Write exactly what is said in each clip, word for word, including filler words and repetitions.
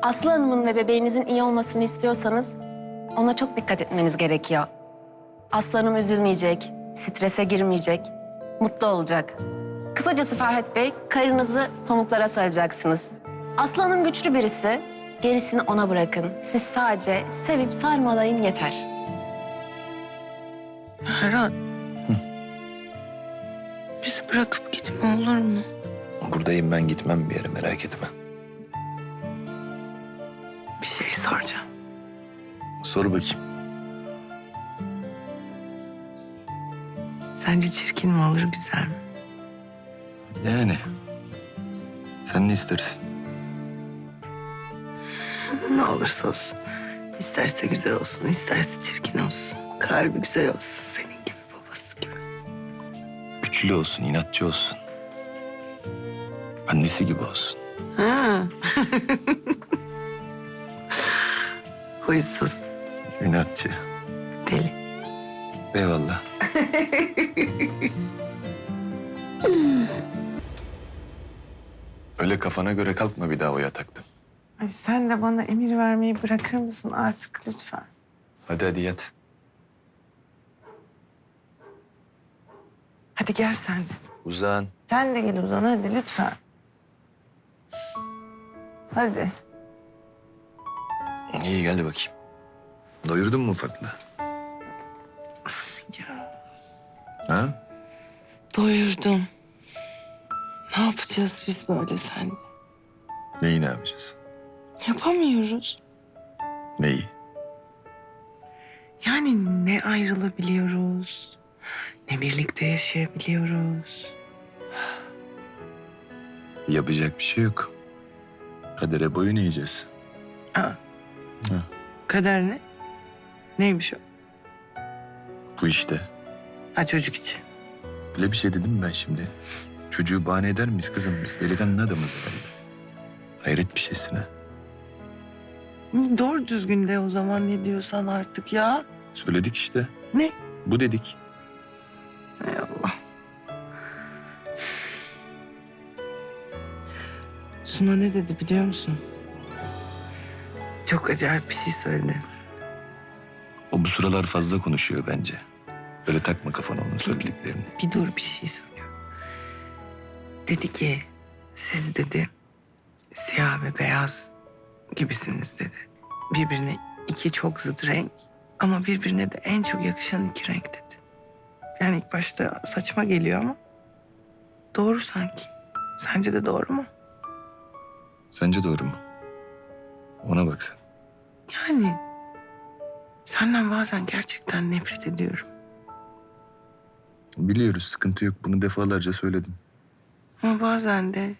Aslı Hanım'ın ve bebeğinizin iyi olmasını istiyorsanız ona çok dikkat etmeniz gerekiyor. Aslı Hanım üzülmeyecek, strese girmeyecek, mutlu olacak. Kısacası Ferhat Bey, karınızı pamuklara saracaksınız. Aslı Hanım güçlü birisi, gerisini ona bırakın. Siz sadece sevip sarmalayın yeter. Ferhat. Bizi bırakıp gitme olur mu? Buradayım, ben gitmem bir yere, merak etme. Bir şey soracağım. Sor bakayım. Sence çirkin mi olur, güzel mi? Yani. Sen ne istersin? Ne olursa olsun. İsterse güzel olsun, isterse çirkin olsun. Kalbi güzel olsun, senin gibi, babası gibi. Güçlü olsun, inatçı olsun. Annesi gibi olsun. Ha. Huysuz, İnatçı. deli. Eyvallah. Öyle kafana göre kalkma bir daha o yataktan. Ay sen de bana emir vermeyi bırakır mısın artık lütfen? Hadi hadi yat. Hadi gel sen de. Uzan. Sen de gel Uzan hadi lütfen. Hadi. İyi, geldi bakayım. Doyurdun mu ufaklığı? Ya. Ha? Doyurdum. Ne yapacağız biz böyle seninle? Neyi ne yapacağız? Yapamıyoruz. Neyi? Yani ne ayrılabiliyoruz, ne birlikte yaşayabiliyoruz. Yapacak bir şey yok. Kadere boyun eğeceğiz. Aa, Ha. kader ne? Neymiş o? Bu işte. Ha çocuk için. Öyle bir şey dedim mi ben şimdi? Çocuğu bahane eder miyiz kızım biz? Delikanlı adamız herhalde. Hayret bir şeysin ha. Doğru düzgün de o zaman ne diyorsan artık ya. Söyledik işte. Ne? Bu dedik. Hay Allah. Suna ne dedi biliyor musun? Çok acayip bir şey söyledi. O bu sıralar fazla konuşuyor bence. Öyle takma kafana onun söylediklerini. Bir dur bir şey söylüyorum. Dedi ki siz dedi siyah ve beyaz gibisiniz dedi. Birbirine iki çok zıt renk ama birbirine de en çok yakışan iki renk dedi. Yani ilk başta saçma geliyor ama doğru sanki. Sence de doğru mu? Sence doğru mu? Ona bak sen. Yani senden bazen gerçekten nefret ediyorum. Biliyoruz, sıkıntı yok. Bunu defalarca söyledim. Ama bazen de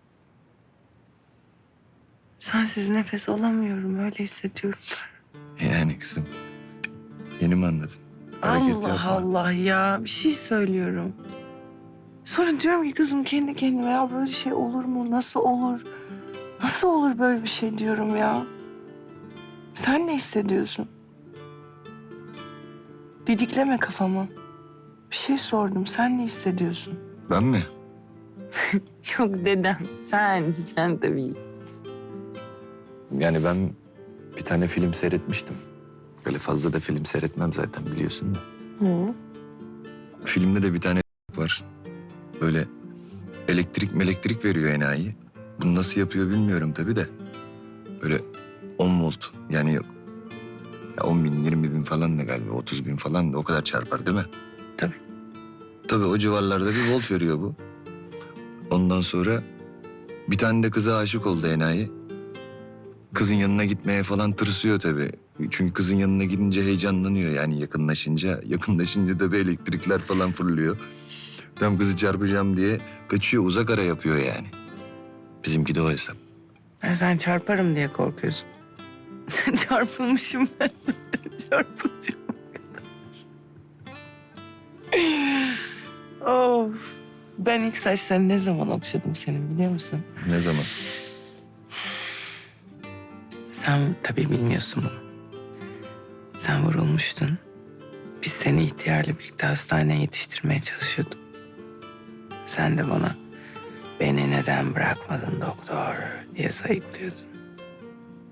sensiz nefes alamıyorum öyle hissediyorum. Yani kızım. Yeni mi anladın? Hareket Allah yapma. Allah ya bir şey söylüyorum. Sonra diyorum ki kızım kendi kendime ya böyle şey olur mu? Nasıl olur? Nasıl olur böyle bir şey diyorum ya. Sen ne hissediyorsun? Didikleme kafamı. Bir şey sordum. Sen ne hissediyorsun? Ben mi? Yok dedem. Sen, sen tabii. Yani ben bir tane film seyretmiştim. Böyle fazla da film seyretmem zaten biliyorsun da. Hı. Filmde de bir tane var. Böyle elektrik elektrik veriyor enayi. Bunu nasıl yapıyor bilmiyorum tabii de. Böyle on volt yani yok. Ya on bin, yirmi bin falan da galiba, otuz bin falan da o kadar çarpar değil mi? Tabii. Tabii o civarlarda bir volt veriyor bu. Ondan sonra bir tane de kıza aşık oldu enayi. Kızın yanına gitmeye falan tırsıyor tabii. Çünkü kızın yanına gidince heyecanlanıyor yani yakınlaşınca. Yakınlaşınca da bir elektrikler falan fırlıyor. Tam kızı çarpacağım diye kaçıyor, uzak ara yapıyor yani. Bizimki de o hesap. Ben sen çarparım diye korkuyorsun. Çarpılmışım ben zaten çarpılacağım. Of. Ben ilk saçlarını ne zaman okşadım senin biliyor musun? Ne zaman? Sen tabii bilmiyorsun bunu. Sen vurulmuştun. Biz seni ihtiyarla birlikte hastaneye yetiştirmeye çalışıyorduk. Sen de bana beni neden bırakmadın doktor diye sayıklıyordun.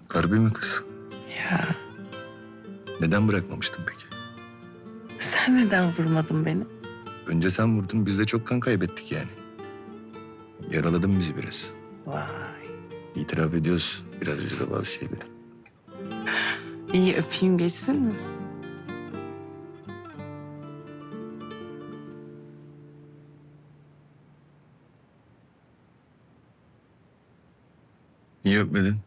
Harbi mi kız? Ya Neden bırakmamıştın peki? sen neden vurmadın beni? Önce sen vurdun, biz de çok kan kaybettik yani. Yaraladın bizi biraz. Vay. İtiraf ediyoruz biraz bizde bazı şeyleri. İyi öpeyim geçsin mi? Niye öpmedin?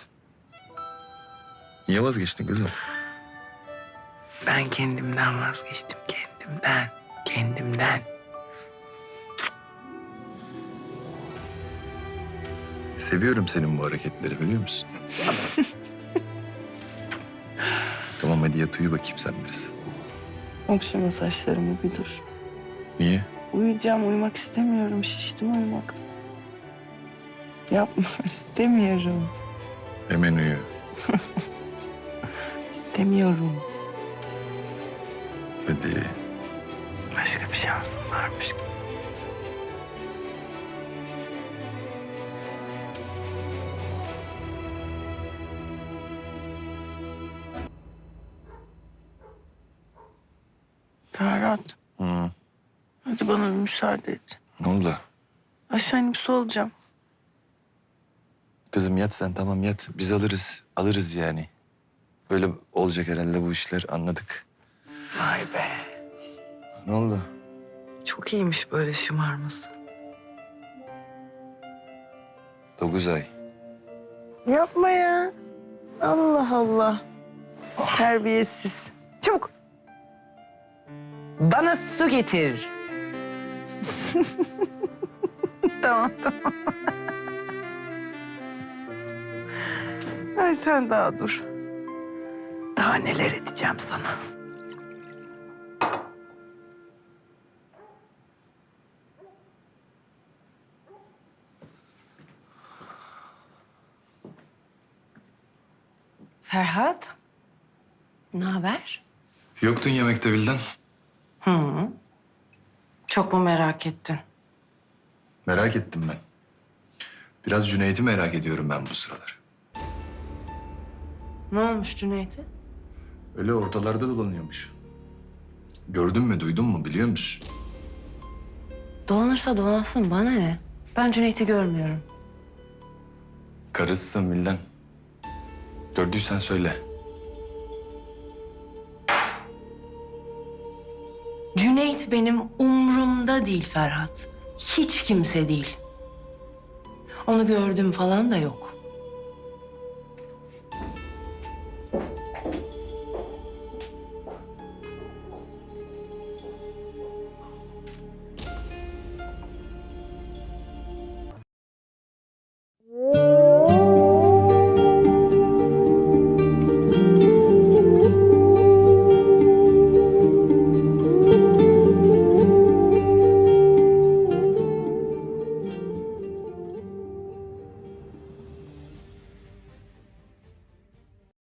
Niye vazgeçtin kızım? Ben kendimden vazgeçtim, kendimden. Kendimden. Seviyorum senin bu hareketleri, biliyor musun? Tamam hadi yat uyu bakayım sen biraz. Okşama saçlarımı bir dur. Niye? Uyuyacağım, uyumak istemiyorum. Şiştim uyumaktan. Yapma, istemiyorum. Hemen uyu. İstemiyorum. Hadi. Başka bir şansım varmış. Ferhat, Hı. hadi bana bir müsaade et. Ne oldu? Aşağı inip su alacağım. Kızım yat sen, tamam yat. Biz alırız, alırız yani. Böyle olacak herhalde bu işler, anladık. Vay be. Ne oldu? Çok iyiymiş böyle şımarması. Dokuz ay. Yapma ya. Allah Allah. Terbiyesiz. Çabuk. Bana su getir. Tamam, tamam. Ay sen daha dur. Daha neler edeceğim sana. Ferhat, ne haber? Yoktun yemekte Vildan. Hı. Çok mu merak ettin? Merak ettim ben. Biraz Cüneyt'i merak ediyorum ben bu sıralar. Ne olmuş Cüneyt'e? Öyle ortalarda dolanıyormuş. Gördün mü, duydun mu, biliyor musun? Dolanırsa dolansın, bana ne? Ben Cüneyt'i görmüyorum. Karısısın Vildan. Gördüysen söyle. Cüneyt benim umrumda değil Ferhat. Hiç kimse değil. Onu gördüm falan da yok.